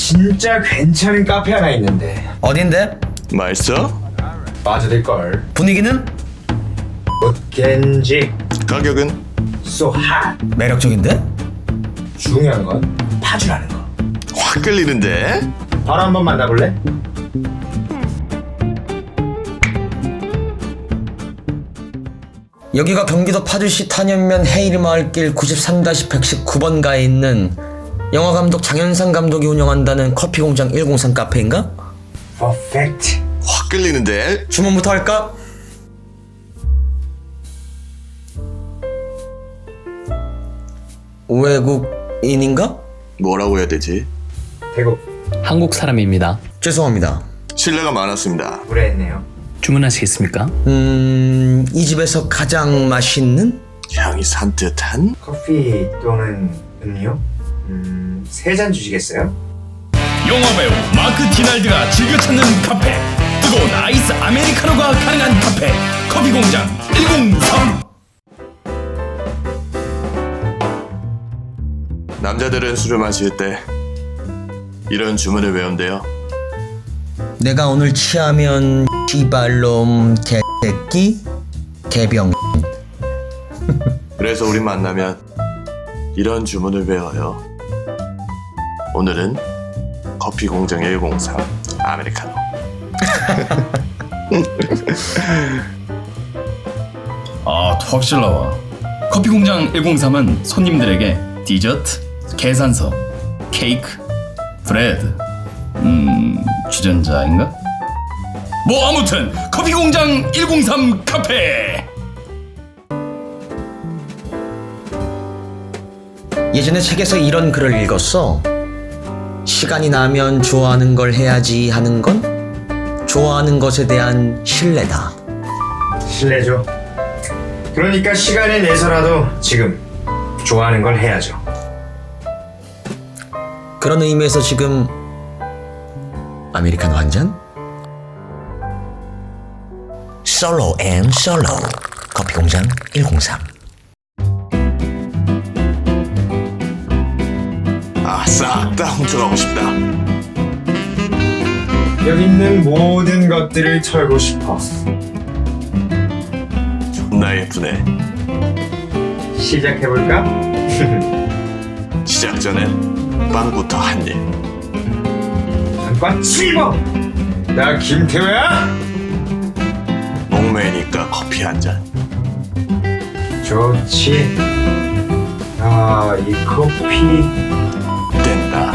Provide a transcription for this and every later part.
진짜 괜찮은 카페 하나 있는데. 어딘데? 맛있어? 빠져들걸. 분위기는? 못겐지. 가격은? So hot. 매력적인데? 중요한 건 파주라는 거. 확 끌리는데? 바로 한번 만나볼래? 여기가 경기도 파주시 탄현면 헤이리마을길 93-119번가에 있는 영화감독 장현상 감독이 운영한다는 커피공장 103 카페인가? Perfect. 확 끌리는데? 주문부터 할까? 외국인인가? 뭐라고 해야 되지? 태국. 한국 사람입니다. 죄송합니다. 신뢰가 많았습니다. 무례했네요. 주문하시겠습니까? 이 집에서 가장 맛있는? 향이 산뜻한? 커피 또는 음료? 3잔 주시겠어요? 영화배우 마크 디날드가 즐겨 찾는 카페, 뜨거운 아이스 아메리카노가 가능한 카페, 커피공장 103. 남자들은 술을 마실 때 이런 주문을 외운대요. 내가 오늘 취하면 씨발놈 개새끼 개병. 그래서 우리 만나면 이런 주문을 외워요. 오늘은 커피공장 103 아메리카노. 아, 확실 나와. 커피공장 103은 손님들에게 디저트, 계산서, 케이크, 브레드, 주전자인가? 뭐 아무튼 커피공장 103 카페. 예전에 책에서 이런 글을 읽었어. 시간이 나면 좋아하는 걸 해야지 하는 건 좋아하는 것에 대한 신뢰다. 실례죠. 그러니까 시간을 내서라도 지금 좋아하는 걸 해야죠. 그런 의미에서 지금 아메리카노 한 잔? 솔로 앤 솔로 커피공장 103. 아, 싹 다 훔쳐가고 싶다. 여기 있는 모든 것들을 털고 싶어. 존나 예쁘네. 시작해볼까? 시작 전에 빵부터 한 입. 잠깐 씹어! 나 김태호야? 목매니까 커피 한 잔. 좋지. 아, 이 커피 된다.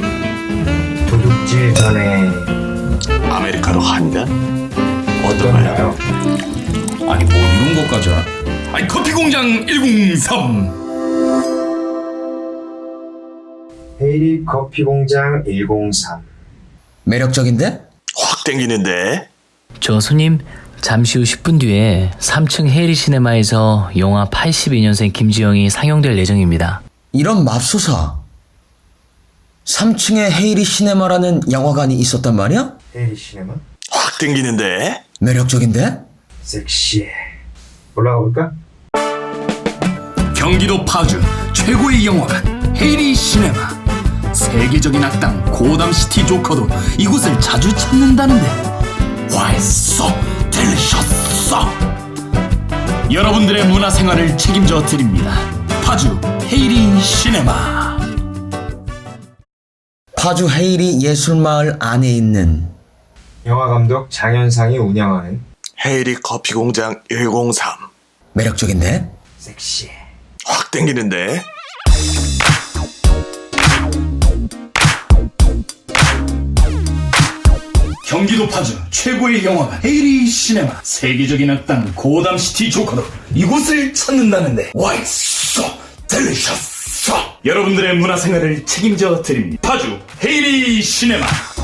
도둑질 전에 아메리카노 한 잔? 어떤가요? 어떤가요? 아니 뭐 이런 것까지 알아? 아니 커피공장 103. 헤이리 커피 공장 103. 매력적인데? 확 땡기는데? 저 손님, 잠시 후 10분 뒤에 3층 헤이리 시네마에서 영화 82년생 김지영이 상영될 예정입니다. 이런 맙소사. 3층에 헤이리 시네마라는 영화관이 있었단 말이야? 헤이리 시네마? 확 땡기는데? 매력적인데? 섹시해. 올라가 볼까? 경기도 파주 최고의 영화관 헤이리 시네마. 세계적인 악당 고담시티 조커도 이곳을 자주 찾는다는데 Why so delicious? 여러분들의 문화생활을 책임져 드립니다. 파주 헤이리 시네마. 파주 헤이리 예술마을 안에 있는 영화감독 장현상이 운영하는 헤이리 커피공장 103. 매력적인데? 섹시해. 확 땡기는데? 경기도 파주 최고의 영화관 헤이리 시네마. 세계적인 악당 고담시티 조커도 이곳을 찾는다는데 Why so delicious? 여러분들의 문화생활을 책임져 드립니다. 파주 헤이리 시네마.